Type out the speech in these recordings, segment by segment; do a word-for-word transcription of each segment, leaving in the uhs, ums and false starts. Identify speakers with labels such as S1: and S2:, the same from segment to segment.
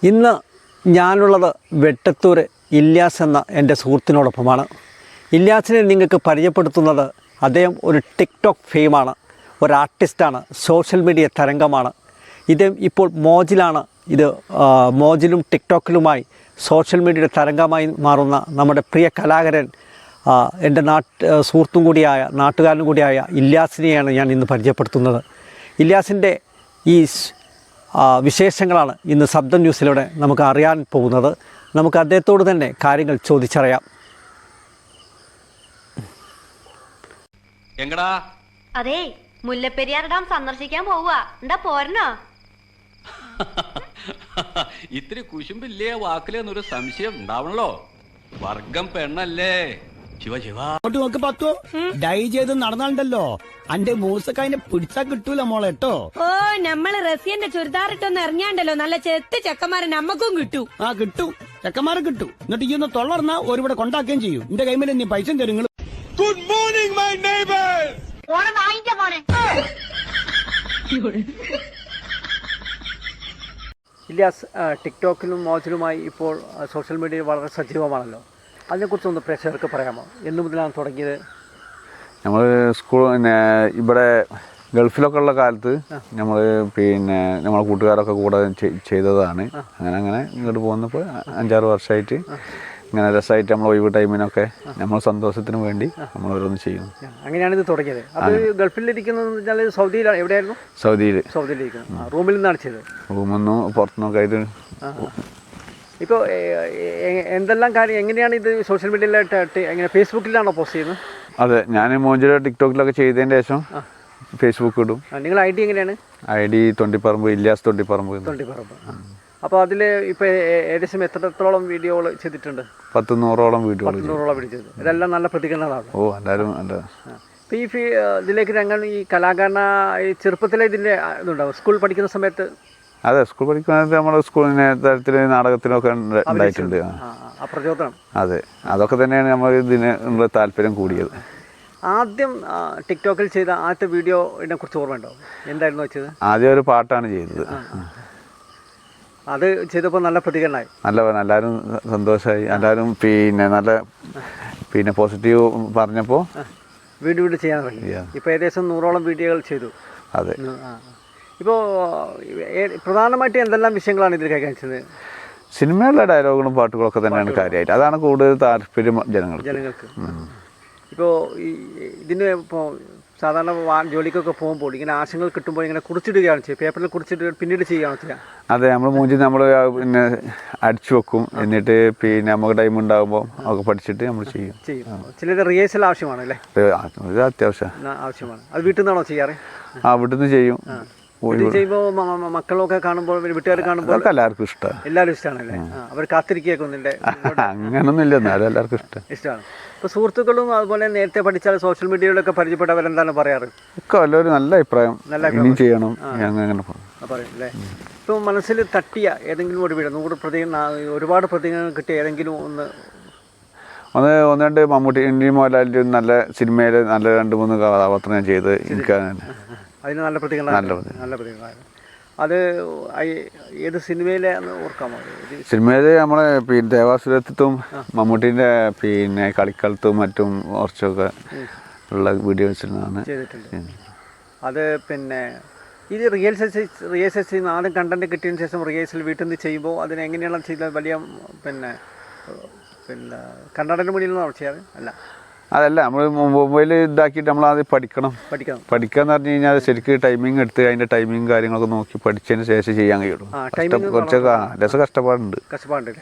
S1: ഇന്ന് ഞാനുള്ളത് വെട്ടത്തൂർ ഇല്യാസ് എന്ന എൻ്റെ സുഹൃത്തിനോടൊപ്പമാണ്. ഇല്യാസിനെ നിങ്ങൾക്ക് പരിചയപ്പെടുത്തുന്നത് അദ്ദേഹം ഒരു ടിക്ടോക്ക് ഫെയിമാണ്, ഒരു ആർട്ടിസ്റ്റാണ്, സോഷ്യൽ മീഡിയ തരംഗമാണ്. ഇത് ഇപ്പോൾ മോജിലാണ്. ഇത് മോജിലും ടിക്ടോക്കിലുമായി സോഷ്യൽ മീഡിയയുടെ തരംഗമായി മാറുന്ന നമ്മുടെ പ്രിയ കലാകാരൻ, എൻ്റെ നാട്ട് സുഹൃത്തും കൂടിയായ നാട്ടുകാരനും കൂടിയായ ഇല്യാസിനെയാണ് ഞാൻ ഇന്ന് പരിചയപ്പെടുത്തുന്നത്. ഇല്യാസിൻ്റെ ഈ വിശേഷങ്ങളാണ് ഇന്ന് ശബ്ദം ന്യൂസിലൂടെ നമുക്ക് അറിയാൻ പോകുന്നത്. നമുക്ക് അദ്ദേഹത്തോട് തന്നെ കാര്യങ്ങൾ ചോദിച്ചറിയാം.
S2: എങ്ങടാ?
S3: അതെ, മുല്ലപ്പെരിയാർ ഡാം സന്ദർശിക്കാൻ പോവുക. എന്താ പോരണോ?
S2: ഇത്തിരി കുശുമ്പില്ലേ വാക്കിലെന്നൊരു സംശയം ഉണ്ടാവണല്ലോ. വർഗം പെണ്ണല്ലേ? ശിവ ശിവ
S4: നോക്ക് പത്തോ ഡൈ ചെയ്ത് നടന്നാണ്ടല്ലോ അന്റെ മൂസക്കതിനെ പിടിച്ചാ കിട്ടൂല മോളെ കേട്ടോ.
S5: ഓ, നമ്മള് റസിയന്റെ ചുരിദാറിട്ടൊന്ന് ഇറങ്ങിയാണ്ടല്ലോ നല്ല ചെത്ത് ചെക്കന്മാരെ നമ്മക്കും കിട്ടും.
S4: ആ കിട്ടും, ചെക്കന്മാരെ കിട്ടും. എന്നിട്ട് ഈ ഒന്ന് തൊള്ളർന്നാ ഒരുവിടെ കൊണ്ടാക്കുകയും ചെയ്യും. എന്റെ കൈമേൽ നീ പൈസ തരും.
S6: Good morning my neighbours.
S1: Ilyas ടിക്ടോക്കിലും മോജിലുമായി ഇപ്പോൾ സോഷ്യൽ മീഡിയയിൽ വളരെ സജീവമാണല്ലോ. അതിനെക്കുറിച്ചൊന്ന് പ്രേക്ഷകർക്ക് പറയാമോ? എന്നു മുതലാണ് തുടങ്ങിയത്?
S7: നമ്മൾ സ്കൂൾ പിന്നെ ഇവിടെ ഗൾഫിലൊക്കെ ഉള്ള കാലത്ത് നമ്മൾ പിന്നെ നമ്മളെ കൂട്ടുകാരൊക്കെ കൂടെ ചെയ്തതാണ്. അങ്ങനെ അങ്ങനെ ഇങ്ങോട്ട് പോകുന്നപ്പോൾ അഞ്ചാറ് വർഷമായിട്ട് ഇങ്ങനെ രസമായിട്ട് നമ്മൾ ഒഴിവ് ടൈമിനൊക്കെ നമ്മൾ സന്തോഷത്തിന് വേണ്ടി നമ്മൾ ഓരോന്ന് ചെയ്യും.
S1: അങ്ങനെയാണ് ഇത് തുടങ്ങിയത്. അത് ഗൾഫിലിരിക്കുന്നത് സൗദിയിലാണ്. എവിടെയായിരുന്നു?
S7: സൗദിയിൽ.
S1: സൗദിയിലിരിക്കുന്നു. റൂമിൽ നിന്നാണ് ചെയ്തത്?
S7: റൂമിൽ നിന്നും പുറത്തുനിന്നൊക്കെ ആയിട്ട്.
S1: ഇപ്പോൾ എന്തെല്ലാം കാര്യം എങ്ങനെയാണ് ഇത് സോഷ്യൽ മീഡിയയിലായിട്ട് എങ്ങനെ ഫേസ്ബുക്കിലാണോ പോസ്റ്റ് ചെയ്യുന്നത്?
S7: അതെ, ഞാൻ മോഞ്ചിലോ ടിക്ടോക്കിലൊക്കെ ചെയ്തതിന് ശേഷം ഫേസ്ബുക്ക് ഇടും.
S1: നിങ്ങൾ ഐ ഡി എങ്ങനെയാണ്? I
S7: D Thondipparamb, Ilyas Thondipparamb.
S1: തൊണ്ടിപ്പറമ്പ്. അപ്പോൾ അതിൽ ഇപ്പോൾ ഏകദേശം എത്രത്തോളം വീഡിയോകൾ ചെയ്തിട്ടുണ്ട്?
S7: പത്ത് നൂറോളം വീഡിയോകൾ.
S1: നൂറോളം വീഡിയോ ചെയ്തു. ഇതെല്ലാം നല്ല പ്രതികരണങ്ങളാണ്.
S7: ഓ, എല്ലാവരും നല്ല.
S1: ഇപ്പോൾ ഈ ഇതിലേക്ക് രംഗം ഈ കലാകാരന ഈ ചെറുപ്പത്തിലെ ഇതിൻ്റെ ഇതുണ്ടാവും സ്കൂൾ പഠിക്കുന്ന സമയത്ത്?
S7: അതെ, സ്കൂൾ പഠിക്കുന്നത് നമ്മുടെ സ്കൂളിന് തരത്തിൽ നാടകത്തിനൊക്കെ ഉണ്ടായിട്ടുണ്ട്.
S1: പ്രചോദനം.
S7: അതെ, അതൊക്കെ തന്നെയാണ് നമ്മൾ ഇതിനുള്ള താല്പര്യം കൂടിയത്.
S1: ആദ്യം ടിക്ടോക്കിൽ ചെയ്ത ആദ്യത്തെ വീഡിയോനെ കുറിച്ച് ഓർമ്മയുണ്ടോ? എന്തായിരുന്നു വെച്ചത്?
S7: ആദ്യം ഒരു പാട്ടാണ് ചെയ്തത്.
S1: അത് ചെയ്തപ്പോൾ നല്ല പ്രതികരണമായി.
S7: നല്ല എല്ലാവരും സന്തോഷമായി. എല്ലാവരും പിന്നെ നല്ല പിന്നെ പോസിറ്റീവ് പറഞ്ഞപ്പോൾ
S1: വീണ്ടും വീണ്ടും ചെയ്യാൻ തുടങ്ങി. ഇപ്പോൾ ഏകദേശം നൂറോളം വീഡിയോകൾ ചെയ്തു.
S7: അതെ.
S1: ഇപ്പോൾ പ്രധാനമായിട്ട് എന്തെല്ലാം വിഷയങ്ങളാണ് ഇതിൽ കൈകാര്യം ചെയ്യുന്നത്?
S7: സിനിമയിലെ ഡയലോഗുകളും പാട്ടുകളൊക്കെ തന്നെയാണ് കാര്യമായിട്ട്. അതാണ് കൂടുതൽ താല്പര്യം ജനങ്ങൾക്ക്
S1: ജനങ്ങൾക്ക് ഇപ്പോൾ ഈ ഇതിന് ഇപ്പോൾ സാധാരണ ജോലിക്കൊക്കെ പോകുമ്പോൾ ഇങ്ങനെ ആശയങ്ങൾ കിട്ടുമ്പോൾ ഇങ്ങനെ കുറിച്ചിടുകയാണ് ചെയ്യുക, പേപ്പറിൽ കുറിച്ചിട്ട് പിന്നീട് ചെയ്യുകയാണ് ചെയ്യുക?
S7: അതെ, നമ്മൾ മൂഞ്ചി നമ്മൾ പിന്നെ അടിച്ചു വെക്കും. എന്നിട്ട് പിന്നെ നമുക്ക് ടൈം ഉണ്ടാകുമ്പോൾ ഒക്കെ പഠിച്ചിട്ട് നമ്മൾ ചെയ്യും
S1: ചെയ്യും ചിലത് റിഹേഴ്സൽ ആവശ്യമാണ് അല്ലേ?
S7: അത്യാവശ്യം
S1: ആവശ്യമാണ്. അത് വീട്ടിൽ നിന്നാണോ ചെയ്യാറ്?
S7: ആ, വീട്ടിൽ നിന്ന് ചെയ്യും.
S1: ചെയ്യുമ്പോൾ മക്കളൊക്കെ കാണുമ്പോൾ വീട്ടുകാർ കാണുമ്പോൾ
S7: എല്ലാവർക്കും ഇഷ്ടമാണ്.
S1: എല്ലാവരും ഇഷ്ടമാണല്ലേ? അവർ കാത്തിരിക്കുകയൊക്കെ ഒന്നിൻ്റെ
S7: അങ്ങനൊന്നുമില്ല, എന്നാലും എല്ലാവർക്കും ഇഷ്ടം ഇഷ്ടമാണ്.
S1: ഇപ്പോൾ സുഹൃത്തുക്കളും അതുപോലെ നേരത്തെ പഠിച്ചാൽ സോഷ്യൽ മീഡിയയിലൊക്കെ പരിചയപ്പെട്ടവരെന്താണ് പറയാറ്?
S7: ഒക്കെ എല്ലാവരും നല്ല അഭിപ്രായം, ഇനിയും ചെയ്യണം അങ്ങനെ
S1: പറയും അല്ലേ? ഇപ്പോൾ മനസ്സിൽ തട്ടിയ ഏതെങ്കിലും ഒരു വീട് നൂറ് പ്രതികരണ ഒരുപാട് പ്രതികരണങ്ങൾ കിട്ടിയ ഏതെങ്കിലും ഒന്ന്
S7: ഒന്ന് ഒന്ന് രണ്ട് മമ്മൂട്ടി ഇന്ത്യൻ മോഹൻലാലിൻ്റെ നല്ല സിനിമയിൽ നല്ല രണ്ട് മൂന്ന് കഥാപാത്രം ഞാൻ ചെയ്ത് എനിക്ക്
S1: അതിന് നല്ല പ്രതികരണം നല്ല പ്രതികരണമായിരുന്നു. അത് ഏത് സിനിമയിലെ ഓർക്കാമോ?
S7: സിനിമയിൽ നമ്മളെ പിന്നെ ദേവാസുരത്വം മമ്മൂട്ടീൻ്റെ പിന്നെ കളിക്കളത്തും മറ്റും കുറച്ചൊക്കെ ഉള്ള വീഡിയോസിലാണ്
S1: ചെയ്തിട്ടുണ്ട്. അത് പിന്നെ ഇത് റിഹേഴ്സൽ റിഹേഴ്സൽ ചെയ്യുന്ന ആദ്യം കണ്ടന്റ് കിട്ടിയതിന് ശേഷം റിഹേഴ്സൽ വീട്ടിൽ നിന്ന് ചെയ്യുമ്പോൾ അതിനെങ്ങനെയാണ് ചെയ്തത്? വലിയ പിന്നെ പിന്നെ കണ്ണടന് മുന്നിൽ നിന്നാണ് ചെയ്യാറ്? അല്ല,
S7: അതല്ല, നമ്മൾ മൊബൈൽ ഇതാക്കിയിട്ട് നമ്മൾ ആദ്യം പഠിക്കണം. പഠിക്കണം പഠിക്കുക എന്ന് പറഞ്ഞു കഴിഞ്ഞാൽ ശരിക്കും ടൈമിങ് എടുത്ത് അതിൻ്റെ ടൈമിങ് കാര്യങ്ങളൊക്കെ നോക്കി പഠിച്ചതിന് ശേഷം ചെയ്യാൻ കഴിയുള്ളൂ. കുറച്ചൊക്കെ രസം കഷ്ടപ്പാടുണ്ട്.
S1: കഷ്ടപ്പാടുണ്ട്.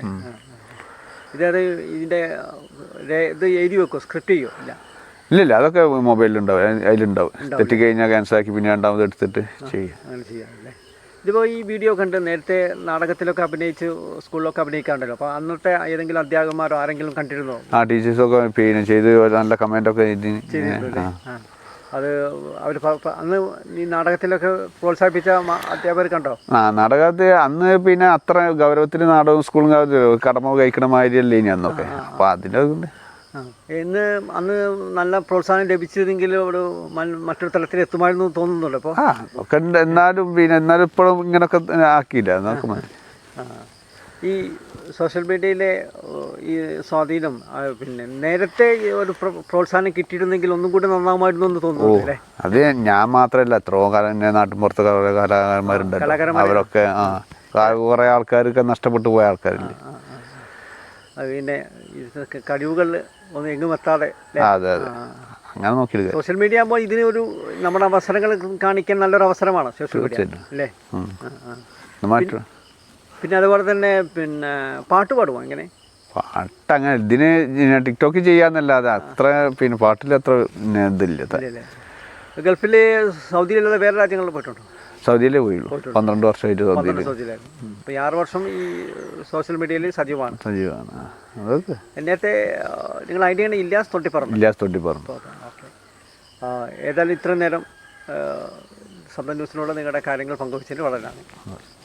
S1: ഇതത് ഇതിൻ്റെ ഇത് എഴുതി വെക്കുമോ? സ്ക്രിപ്റ്റ് ചെയ്യുമോ? ഇല്ല
S7: ഇല്ലില്ല, അതൊക്കെ മൊബൈലിലുണ്ടാവും, അതിലുണ്ടാവും. തെറ്റി കഴിഞ്ഞാൽ ക്യാൻസലാക്കി പിന്നെ രണ്ടാമത് എടുത്തിട്ട് ചെയ്യും.
S1: അങ്ങനെ ചെയ്യാമല്ലേ? ഇതിപ്പോൾ ഈ വീഡിയോ കണ്ട് നേരത്തെ നാടകത്തിലൊക്കെ അഭിനയിച്ച് സ്കൂളിലൊക്കെ അഭിനയിക്കാറുണ്ടല്ലോ. അപ്പോൾ അന്നത്തെ ഏതെങ്കിലും അധ്യാപകന്മാരോ ആരെങ്കിലും കണ്ടിരുന്നോ?
S7: ആ, ടീച്ചേഴ്സൊക്കെ പിന്നെ ചെയ്ത് നല്ല കമൻറ്റൊക്കെ
S1: ചെയ്തിട്ടുണ്ട്. അത് അവർ അന്ന് ഈ നാടകത്തിലൊക്കെ പ്രോത്സാഹിപ്പിച്ച അധ്യാപകർ കണ്ടോ?
S7: ആ, നാടകത്തിൽ അന്ന് പിന്നെ അത്ര ഗൗരവത്തിൽ നാടകവും സ്കൂളും കടമ കഴിക്കണ മാതിരിയല്ലേ ഇനി അന്നൊക്കെ. അപ്പോൾ അതിൻ്റെ
S1: ഇന്ന് അന്ന് നല്ല പ്രോത്സാഹനം ലഭിച്ചതെങ്കിൽ ഒരു മറ്റൊരു തലത്തിൽ എത്തുമായിരുന്നു തോന്നുന്നുണ്ട്. അപ്പോൾ
S7: ഒക്കെ എന്നാലും പിന്നെ എന്നാലും ഇപ്പോഴും ഇങ്ങനൊക്കെ ആക്കിയില്ല നോക്കുമ്പോൾ.
S1: ഈ സോഷ്യൽ മീഡിയയിലെ ഈ സ്വാധീനം പിന്നെ നേരത്തെ ഒരു പ്രോത്സാഹനം കിട്ടിയിരുന്നെങ്കിൽ ഒന്നും കൂടി നന്നാവുമായിരുന്നു എന്ന് തോന്നുന്നു അല്ലേ?
S7: അത് ഞാൻ മാത്രമല്ല എത്രയോ കാലം എൻ്റെ നാട്ടിൻപുറത്ത് കുറേ കലാകാരന്മാരുണ്ടല്ലോ, അവരൊക്കെ ആ കുറേ ആൾക്കാരൊക്കെ നഷ്ടപ്പെട്ടു പോയ ആൾക്കാരില്ലേ.
S1: അത് പിന്നെ കഴിവുകൾ ഒന്നും എങ്ങും എത്താതെ.
S7: അതെ അതെ, അങ്ങനെ നോക്കിയെടുക്കുക.
S1: സോഷ്യൽ മീഡിയ ആകുമ്പോൾ ഇതിന് ഒരു നമ്മുടെ അവസരങ്ങൾ കാണിക്കാൻ നല്ലൊരു അവസരമാണ് സോഷ്യൽ മീഡിയ അല്ലേ?
S7: മാറ്റും.
S1: പിന്നെ അതുപോലെ തന്നെ പിന്നെ പാട്ട് പാടുമോ? എങ്ങനെ
S7: പാട്ട് അങ്ങനെ ഇതിന് ടിക്ടോക്ക് ചെയ്യാന്നല്ലാതെ അത്ര പിന്നെ പാട്ടിൽ അത്ര പിന്നെ ഇതില്ല.
S1: ഗൾഫിൽ സൗദിയിലല്ലാതെ വേറെ രാജ്യങ്ങളിൽ പോയിട്ടുണ്ടോ?
S7: സൗദിയിലേ പോയുള്ളൂ, പന്ത്രണ്ട് വർഷമായിട്ട് സൗദിയിൽ.
S1: സൗദിയിലായിരുന്നു. അപ്പോൾ ഈ ആറ് വർഷം ഈ സോഷ്യൽ മീഡിയയിൽ സജീവമാണ്.
S7: സജീവമാണ്. അതൊക്കെ
S1: നേരത്തെ നിങ്ങൾ ഐഡിയ ഇല്ലാസ് തൊട്ടിപ്പറമ്പ്.
S7: ഇല്ലാസ് തൊട്ടിപ്പറമ്പ്.
S1: ഓക്കെ. ഏതായാലും ഇത്രയും നേരം സ്വന്തം ന്യൂസിനോട് നിങ്ങളുടെ കാര്യങ്ങൾ പങ്കുവച്ചതിന് വളരെ നന്ദി.